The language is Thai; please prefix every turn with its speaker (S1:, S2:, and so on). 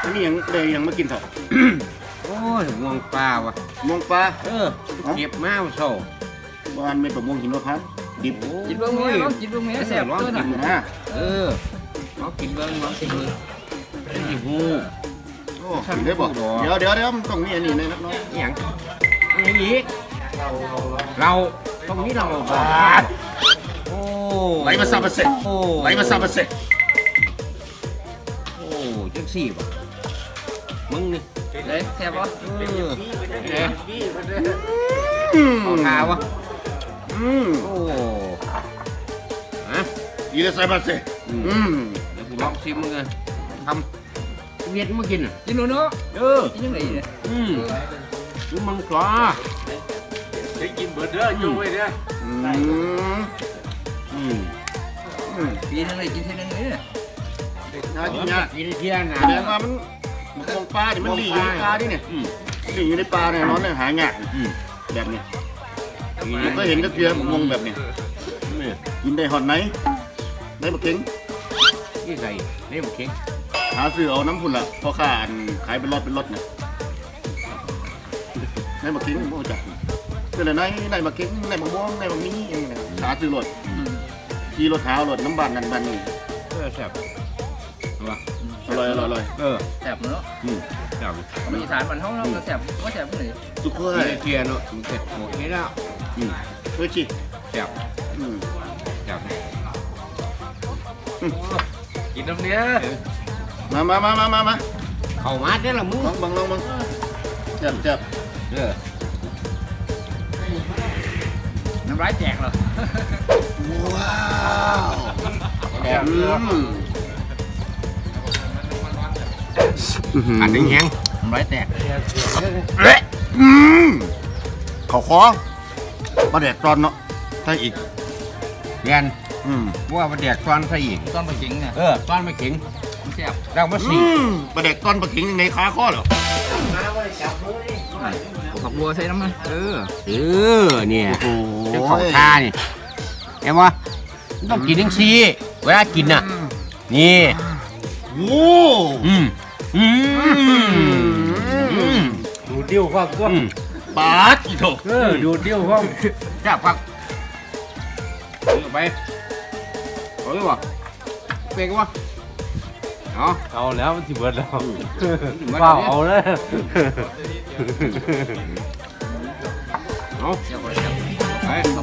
S1: อันนี้ยังเลยยังมากินเถอะ
S2: โอ้ยม่วงปลาวะ
S1: ม่วงปลา
S2: เก็บมาโซ่
S1: บ้านเป็นประมงหินมะพร้าวดิบ
S3: กินเบื้องนี้ลองกินเบื้องนี้แซ่บ
S2: ร้อน
S3: ตัว
S2: กิ
S3: น่ะ
S2: น
S1: นะ
S2: ลองกินเบิ้งลองกินเบิ้งกินหู
S1: โอ้กินได้บ่เดี๋ยวมันต้องมีอันนี้เลยนักน้อย
S2: อย่างอันนี้เราตรงนี้เราโอ้
S1: ไหลมาซาบะเสร็จไหลมาซาบะเสร็จ
S2: โอ้จังสี่ป่ะมึงนี่
S3: เลยแซ่บปะ
S2: เอาทาวะ โอ้ฮะ
S1: อีเลซาบะเสร็จ
S2: เดี๋ยวกูลองชิมมึงเลยทำเวียดมากินอ่ะ
S3: กินหนูเนาะกินยังไงเนี่ย
S2: ดูมังกร
S4: ได้กินเบิร์ดเด้อจุ้ยเด้อ
S3: กินยังไงกินเท่านั้นเลย
S1: น่ากินยาก
S2: กินเที่ยงนะ
S1: แสดงว่ามันม่วงปลาเนี่ยมันหลีอยู่ในปลาดิเนี่ยหลีอยู่ในปลาเนี่ยนอนเนี่ยหายากแบบนี้ผมก็เห็นก็เพียงงแบบนี้กินได้หอดไหนได้มาเก่ง
S2: นี่ใส่นี่หมกเค็ง
S1: หาซื้อเอาน้ำพุ่นละพอข้าขายเป็นรถเนี่ยได้มาเก่งโม่จัดคืออะไรไหนมาเก่งไหนมาม่วงไหนมามีเองเนี่ยหาซื้อรถขี่รถหารถน้ำบานนั่นบานนี่
S2: แซ่บ
S1: อร่อย
S3: แซ่บเนาะ
S2: แซ่บ
S3: มีสารมันห้องเราแซ่บว่าแซ่บเลย
S1: สุกเล
S2: กิ
S1: ย
S2: นเที่ยงเนาะมันเสร็จหมดนี้แล้ว
S1: เฮ้ยชิ
S2: แซ่บแซ่บ
S4: กินน้ำเนี้ย
S1: มา
S2: เข้ามาได้ละมึง
S1: ลองบังจับ
S3: น้ำลายแตกเหรอ
S1: ว้าว
S2: อันนี้แห้ง
S3: น้ำลายแตก
S1: เขาคอมาแดกตอนเนาะใช่อีก
S2: เรียนว่ามาแดกตอนใส่อีก
S3: ต้นปลาเข็งเนี่ย
S2: ตอนไม่เข็ง
S3: แซ่บ
S2: เรามาสี
S1: มาแดกตอนปลาขิงในขาข้อเหรอ
S3: ผักบัวใส่น้ำมัน
S2: เนี่ย
S1: โอ้
S2: เจ้าของท่านี่เห็นปะต้องกินทั้งซีเวลากินน่ะนี่
S1: โอ้
S4: ดูดิ้วความกว้าง
S1: ปาดอีโถ
S4: ดูดิ้วความ
S2: จับพักเอาไปเอาดีกว่าเป็นกันวะเอา
S4: เอาแล้วมันสิเบิร์ดแล้ว
S2: เป
S4: เปล่าเอาเลย
S2: เอา
S3: แซ่บแซ่บ
S2: ไป
S3: เอา